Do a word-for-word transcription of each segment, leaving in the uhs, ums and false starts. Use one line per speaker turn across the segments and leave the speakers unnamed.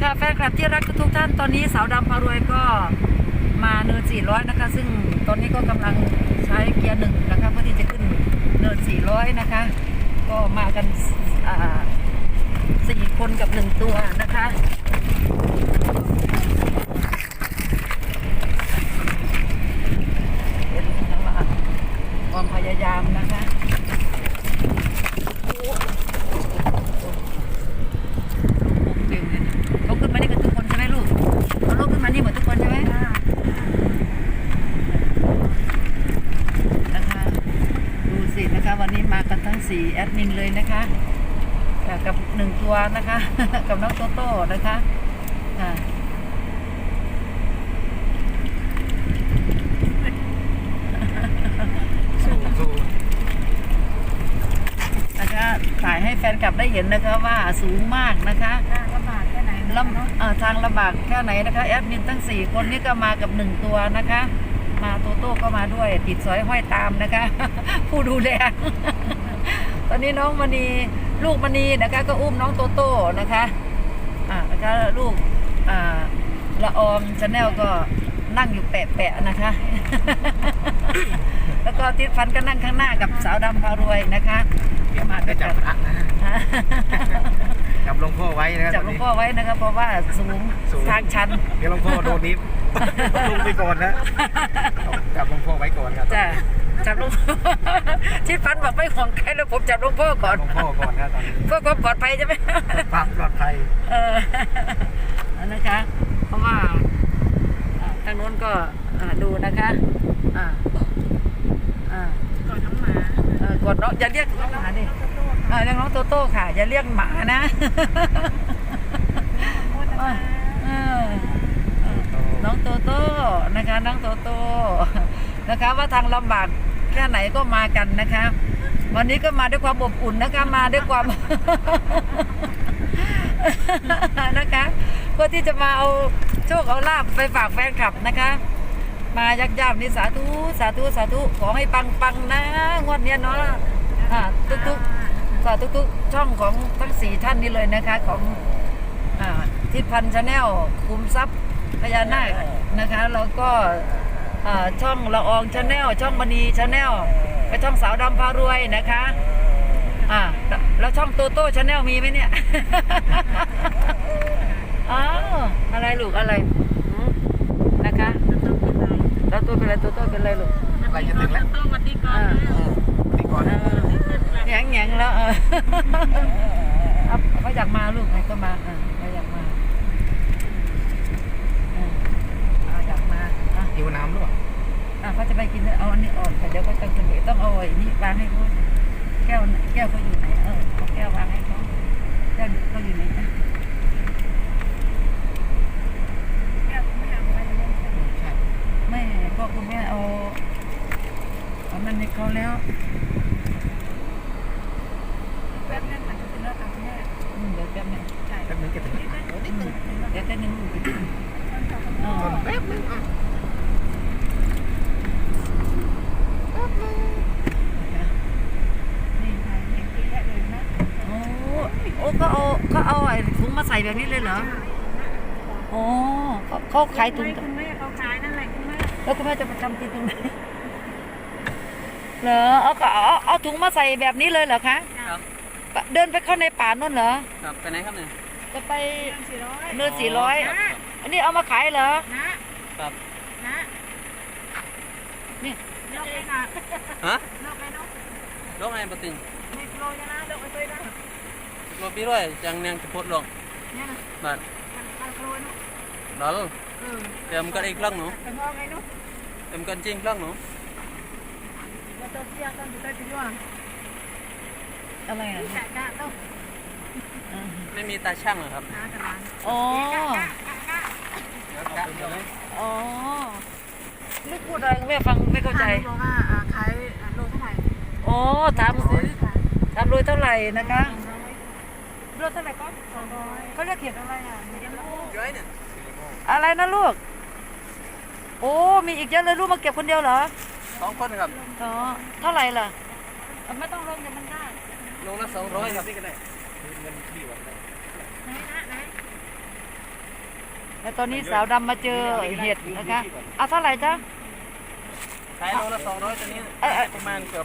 ค่ะแฟนคลับที่รักทุกท่านตอนนี้สาวดำพารวยก็มาเนินสี่ร้อยนะคะซึ่งตอนนี้ก็กำลังใช้เกียร์หนึ่งนะคะเพื่อที่จะขึ้นเนินสี่ร้อยนะคะก็มากันสี่คนกับหนึ่งตัวนะคะเป็นความพยายามนะคะเขาขึ้นมานี่กันทุกคนใช่ไหมลูกเขาลุกขึ้นมานี่หมดทุกคนใช่ไหมนะคะดูสินะคะวันนี้มากันทั้งสี่แอดมินเลยนะคะกับหนึ่งตัวนะคะกับน้องโตโต้นะคะนะคะถ่ายให้แฟนคลับได้เห็นนะคะว่าสูงมากนะคะ
ลำบากแค่ไหน
ลำทางลำบากแค่ไหนนะคะแอดมินทั้งสี่คนนี้ก็มากับหนึ่งตัวนะคะมาโตโต้ก็มาด้วยติดสอยห้อยตามนะคะผู้ดูแลตอนนี้น้องมณีลูกมณีนะคะก็อุ้มน้องโตโต้นะคะอ่านะคะลูกอ่าละออมชาแนลก็นั่งอยู่แปะๆนะคะแล้วก็ติดฟันก็นั่งข้างหน้ากับสาวดำพารวยนะคะ
มาด้วยกันจับหลวงพ่อไว้นะครับ
จับหลวงพ่อไว้นะครับเพราะว่าสูงทางชัน
เดี๋ยวหลวงพ่อโดนนิฟลงไปก่อนนะจับหลวงพ่อไว้ก่อนครับ
จ้ะจับหลวงพ่อที่ฟันบอกไม่ห่วงใครแล้วผมจับหลวงพ่อก่อน
หลวงพ่อก่อนนะตอนนี้
เพื่อความปลอดภัยใช่ไหม
ความปลอดภัย
เออนะคะเพราะว่าทางโน้นก็ดูนะคะอ่าอ่ากดน้องหมาเออกดน้องอย่าเรียกน้องหมาดิเออเรียกน้องโตโต้ค่ะอย่าเรียกหมานะน้องโตโต้นะคะน้องโตโต้นะคะว่าทางลำบากแค่ไหนก็มากันนะคะวันนี้ก็มาด้วยความอบอุ่นนะคะมาด้วยความนะคะเพื่อที่จะมาเอาโชคเอาลาภไปฝากแฟนคลับนะคะมายักษ์ย่ำนี่สาธุสาธุสาธุขอให้ปังปังนะงวดนี้เนาะทุกทุกสาธุทุกช่องของทั้งสี่ท่านนี้เลยนะคะของทิศพันธ์ชาแนลคุมทรัพย์พญานาคนะคะแล้วก็ช่องละอองชาแนลช่องมณีชาแนลและช่องสาวดำพารวยนะคะอ่าแล้วช่องโตโต้ชาแนลมีไหมเนี่ยอ้าวอะไรลูกอะไรนะคะแล้วตัวเป็นอะไรตัวโต้เป็นอะไรลูก
อะไรจะถึงแล้ว
ต้องมาตีก่อน
ตีก่อน
แหงๆแล้วเออเขาอยากมาลูกไหนก็มาเออเขาอยากมาเอออยากมา
หิวน้ำหรือเปล่า
อ่ะเขาจะไปกินเอาอันนี้ออกแต่เดี๋ยวก็ต้องกินเดี๋ยวต้องเอาไอ้นี่วางให้เขาแก้วแก้วเขาอยู่ไหนเออเอาแก้ววางให้เขาแก้วเขาอยู่ไหนนะแม่ก็คุณแม่เอาเอานั่นให้เขาแล้วแป๊บนึงมันจะเป็นเรื่องทางแม่เดี๋ยวแป๊บนึงใช่
แป๊บนึงจะถึงนิดนึง
เดี๋ยวแป๊บนึง
อ๋อแป๊บนึงอ่ะแป๊บนึง
นี่ไงเห็นที่แรกเลยนะโอ้โอ้ก็เอาก็เอาไอ้ถุงมาใส่แบบนี้เลยเหรอโอ้เขาขายถุง
คุณแม่เขาขายนั่นแหละคุณแม่
แล้วคุณแม่จะไปทำกินตรงไหนเหรอเอาเอาเอาถุงมาใส่แบบนี้เลยเหรอคะ
ครับ
เดินไปเข้าในป่านู่นเหรอ
ครับไปไหนครับเนี่ย
จะไปเนินสี่ร้อยอันนี้เอามาขายเหรอ
ครับ
นะ
นี่
นกไอ้ค่ะ
ฮะ
นกไอ้นก
นกไอ้ปติง
ไม่โปรยนะนกไอ้ตัวนั้น
รถพี่ด้วยจังเนียงจะพูดลง
เนี่ยนะ
บ้าน
โปรยนก
ดอลเติมกันอีกครั้งหนู
เ
ติมกันจริงครั้งหนู
อะไรอ่ะ
ไม่มีตาช่างเหรอครับ
อ๋ออ๋อไม่พูดอะไรแม่ฟังไม่เข้าใจ
บอกว่าขายโลเท่าไหร่
อ๋อถามถามโลเท่าไหร่นะคะโลเท่าไหร่ก็สองร้อยเขาเรียกเขียนอะไรอ่ะอะไรนะลูกโอ้มีอีกเยอะเลยลูกมาเก็บคนเดียวเหรอ
สองคนครับ
อ๋อเท่าไหร่ล่ะไม่ต้องลงแต่มันได้
ลงละสองร้อยครับ
ไหนนะไหน
แล้วตอนนี้สาวดำมาเจอเห็ดนะคะเอาเท่าไหร่จ๊ะ
ขายโลละสองร้อยตัวนี้
เอ้ยเอ้ย
ประมาณเกือบ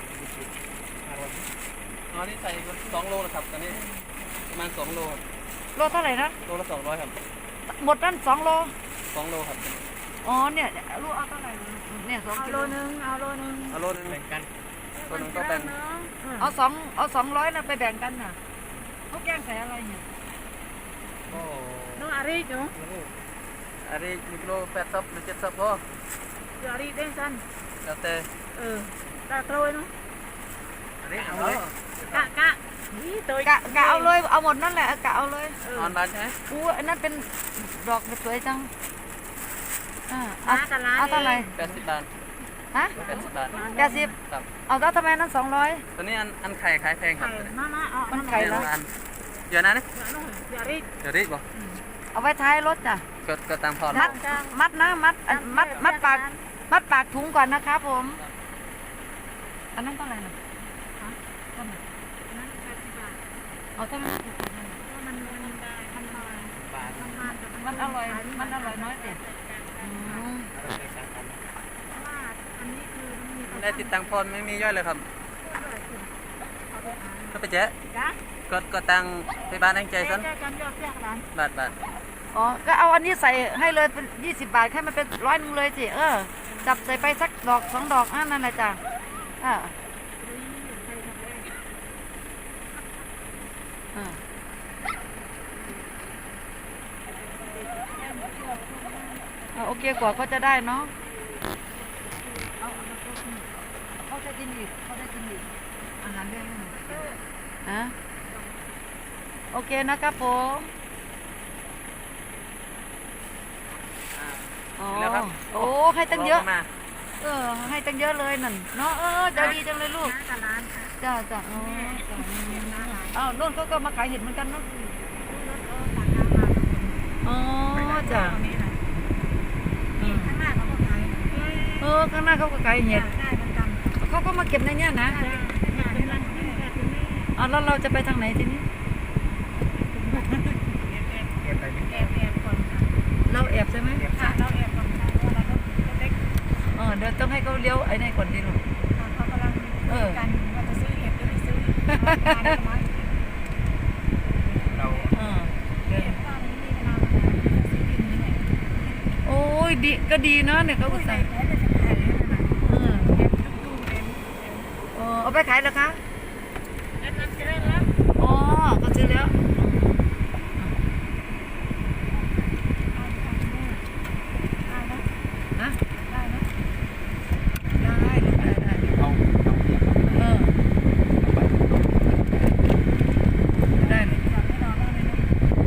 อ๋อนี่ใส่สองโลนะครับตัวนี้ประมาณสองโลครับ
โลเท่าไหร่นะ
โลละสองร้อยครับ
หมดนั่นสองโล
สองโลครับ
อ๋อเนี่ยลูกเอาเท่าไหร่เนี่ยสอง
เอา
กิ
โล
โล
นึงเอาโลนึง
เอาโลนึงแบ่งกันตัวหนึงก็แบ่ง
เอาสองเอาสองร้อยนะไปแบ่งกันน่ะทุกอย่างใส่อะไรเนี่ย
โอ้
น้องอารีจุ๊
อันนี้หนึ่งกิโลแปดซับหรือเจ็ดซับพอ
อารีเด้งสั้น
แล้วแต่
เออตาโตยเนาะ
อันนี้เอาเลย
กะกะนี่ตัว
กะกะเอาเลยเอาหมดนั่นแหละกะเอาเลย
เออ
ออนบานใช่ไหม
อู้อันนั้นเป็นดอกสวยจังอ่าเอาเอาเท่าไหร่
แปดสิบบาท
ฮะ
แปดสิบบาท
แปดสิบ
ครับ
เอาแล้วทำไมนั้นสองร้อย
ตัวนี้อันอันไข่ขายแพงครับ
ไข่มามาเอา
มันไข่
เดี๋ยว
แล้ว
อันเดี๋ยวนะนี่
อารี
เดี๋ยวรีบบอก
เอาไว้ท้ายรถจ้ะ
กดกดตามพอร์ต
มัดมัดนะมัดอันมัดมัดปากมัดปากถุงก่อนนะครับผม อันนั้นเท่าไหร่นะเท่าไหร่เอาเท่าไหร่
มันมันมันมา
บาท
มันมาแต่
มันอร่อยมันอร่อยน้อยเด็ดอืม
ว่าอันนี้คือมันมี
ไม่ได้ติดตังพรไม่มีย่อยเลยครับก็ไปเจ๊
จ้ะ
กดกดตังไปบ้านแองใจซัน
แจ้กันยอดแจ้กัน
บาทบาท
อ๋อก็เอาอันนี้ใส่ให้เลยเป็นยี่สิบบาทให้มันเป็นร้อยหนึงเลยสิเออจับใส่ไปสักดอกสองดอกอ่ะนั่นแหละจ้ะอ่าอ่าอ่าโอเคกว่าก็จะได้เนาะเอาเอามาต้มเขาจะกินอีกเขาจะกินอีกอาหารเรื่องนี้อ่ะโอเคนะครับผมอ๋อ
แล้วครับ
โอ้ให้ตั้งเยอะ
มา
เออให้ตั้งเยอะเลยนั่นเนาะเออใจะดีจังเลยลูก
กับร้านค่ะ
จ้าจ้าอ๋อจ้าอ้าวโน่นเขาก็มาขายเห็ดเหมือนกันเนาะอ๋อจ้าอืม
ข้างหน้าเขาก็ขาย
เออข้างหน้าเขาก็ขายเห็ด
ได้ประจำ
เขาก็มาเก็บในเนี้ยนะ
ได้เป็นร้านที่แบบนี้
อ๋อแล้วเราจะไปทางไหนทีนี้
เก็บไปนี่
แอบแอบก่อนค่ะ
เราแอบใช่ไหม
ค่ะเราแอบก่อนค่ะเพราะเราก็เล็ก
เออเดี๋ยวต้องให้เขาเลี้ยวไอ้นี่ก่อนดีลูก
เขากำลังกันว่าจะซื้อเห็ดหรือไม่ซื้อการได้ไหม
เรา
เออเดี๋ยว
เห็ดตอนนี้มีเวลาซื้อดินนี่แหละ
โอ้ยดีก็ดีเนาะเนี่ยเขา
อุ้
อุ
ย
ต
ใส่
ส่าห์
แพ้แต่จะขายเลยนะ
เออ
เห็ดลูกดูเห็ด
เออเอาไปขายแล้วคะ
เห็ดนับจะได้แล้ว
อ๋อก็ซื้อแล้ว
ได้นะ
ฮะ
ได้นะ
ได้ลูกได้ได้
เอาเอาเก็บ
เออได้เลย
ก่อนไม่รอบ้างเลยนะ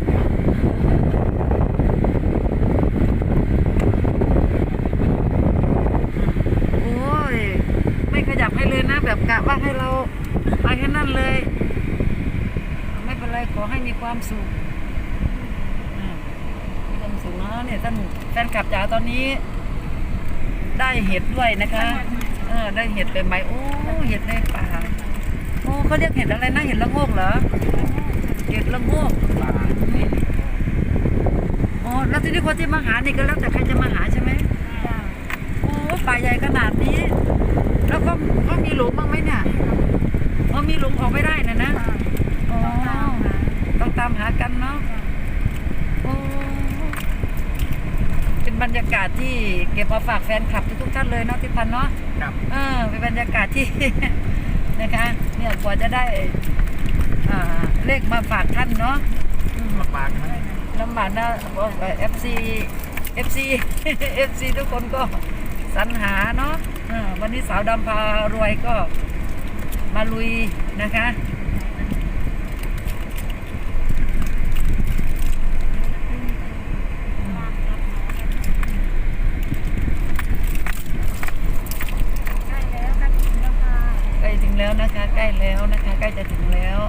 โอ้ยไม่ขยับให้เลยนะแบบกะว่าให้เราไปแค่นั้นเลย ไม่เป็นไรขอให้มีความสุขอืมมีความสุขเนาะเนี่ยท่านแฟนคลับจ๋าตอนนี้ ได้เห็ดด้วยนะคะเออได้เห็ดเป็นใบโอ้เห็ดในป่าโอ้เขาเรียกเห็ดอะไรนะเห็ดละโงกเหรอเห็ดละโงก
ปลา
อ๋อแล้วทีนี้คนที่มาหานี่ก็แล้วแต่ใครจะมาหาใช่ไหม
จ้า
โอ้ป่าใหญ่ขนาดนี้ แล้วก็ก็มีหลุมบ้างไหมเนี่ยอ๋อมีหลุมออกไม่ได้นะนะอ๋อต้องตามหากันเนาะโอ้เป็นบรรยากาศที่เก็บมาฝากแฟนคลับทุกๆท่านเลยเนาะที่พันเนาะ
ครับ
เออเป็นบรรยากาศที่ นะคะเนี่ยกว่าจะได้อ่าเลขมาฝากท่านเนาะอืม
หมดปลาใช่ไหม
ลำบากนะเอฟซีเอฟซีเอฟซีทุกคนก็สรรหาเนาะเออวันนี้สาวดำพารวยก็มาลุยนะคะ
ใกล้แล้วใกล้ถึงแล้วค่ะ
ใกล้ถึงแล้วนะคะ ใกล้แล้วนะคะใกล้จะถึงแล้ว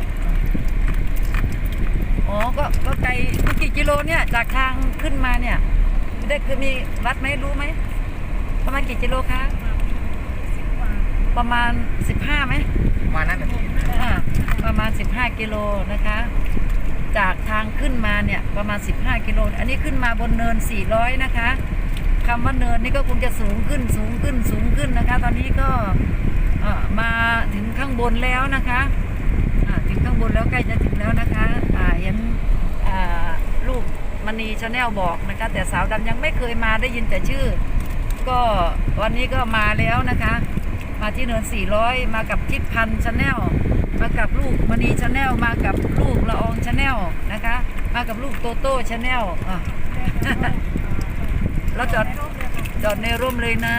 อ๋อก็ก็ไกลมันกี่กิโลเนี่ยจากทางขึ้นมาเนี่ยได้คือมีวัดไหมรู้ไหมประมาณกี่กิโลคะ
สิบกว่า
ประมาณสิบห้าไหม
มานั่นน่ะ
อ่าประมาณสิบห้ากิโลนะคะจากทางขึ้นมาเนี่ยประมาณสิบห้ากิโลอันนี้ขึ้นมาบนเนินสี่ร้อยนะคะคำว่าเนินนี่ก็คงจะสูงขึ้นสูงขึ้นสูงขึ้นนะคะ ตอนนี้ก็เอ่อมาถึงข้างบนแล้วนะคะอ่าถึงข้างบนแล้วใกล้จะถึงแล้วนะคะอ่าเห็นอ่าลูกมณีชาแนลบอกนะคะ แต่สาวดำยังไม่เคยมาได้ยินแต่ชื่อ ก็วันนี้ก็มาแล้วนะคะ มาที่เนินสี่ร้อยมากับทิพย์พันธ์ชาแนลมากับลูกมณีชาแนลมากับลูกละอองชาแนลนะคะ มากับลูกโตโต้ชาแนลอ่ะ เราจอดจอดในร่มเลยนะ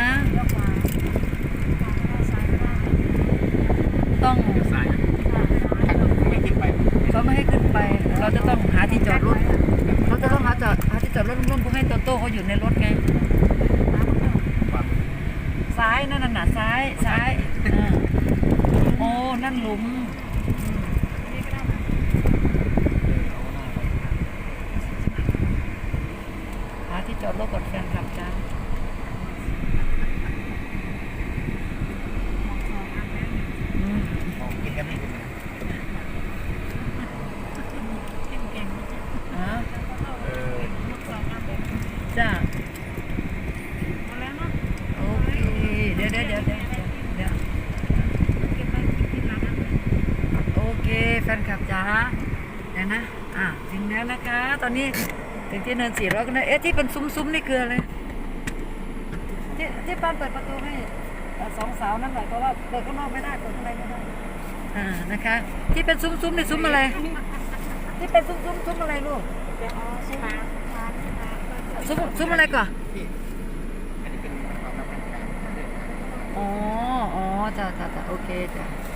ต้อง
สายไม่ขึ้นไป
เขาไม่ให้ขึ้นไป เราจะต้องหาที่จอดรถเขาจะต้องหาจอดหาที่จอดรถร่มๆเพื่อให้โตโต้เขาอยู่ในรถไง ซ้ายนั่นน่ะซ้ายซ้ายอ่าโอ้นั่นหลุมหาที่จอดรถก่อนแฟนคลับจ้าอืม
ของกินกันไม่ถึง
อ่า
เออ
จ้าโอเคเดี๋ยวเดี๋ยวเดี๋ยวเดี๋ยวเดี๋ยวโอเคแฟนคลับจ้าเดี๋ยวนะอ่ะถึงแล้วนะคะ ตอนนี้ถึงที่เนินสี่ร้อยกันนะเอ๊ะที่เป็นซุ้มๆนี่คืออะไรที่ที่ปานเปิดประตูให้เอ่อสองสาวนั่นหน่อยเพราะว่าเปิดข้างนอกไม่ได้เปิดข้างในไม่ได้อ่านะคะ ที่เป็นซุ้มๆนี่ซุ้มอะไร ที่เป็นซุ้มๆซุ้มอะไรลูกซุ้มซุ้มอะไรก่อน
พี่อันนี้เป็นความลับทางการ
อ๋อ อ๋อ จ้ะจ้ะจ้ะโอเคจ้ะ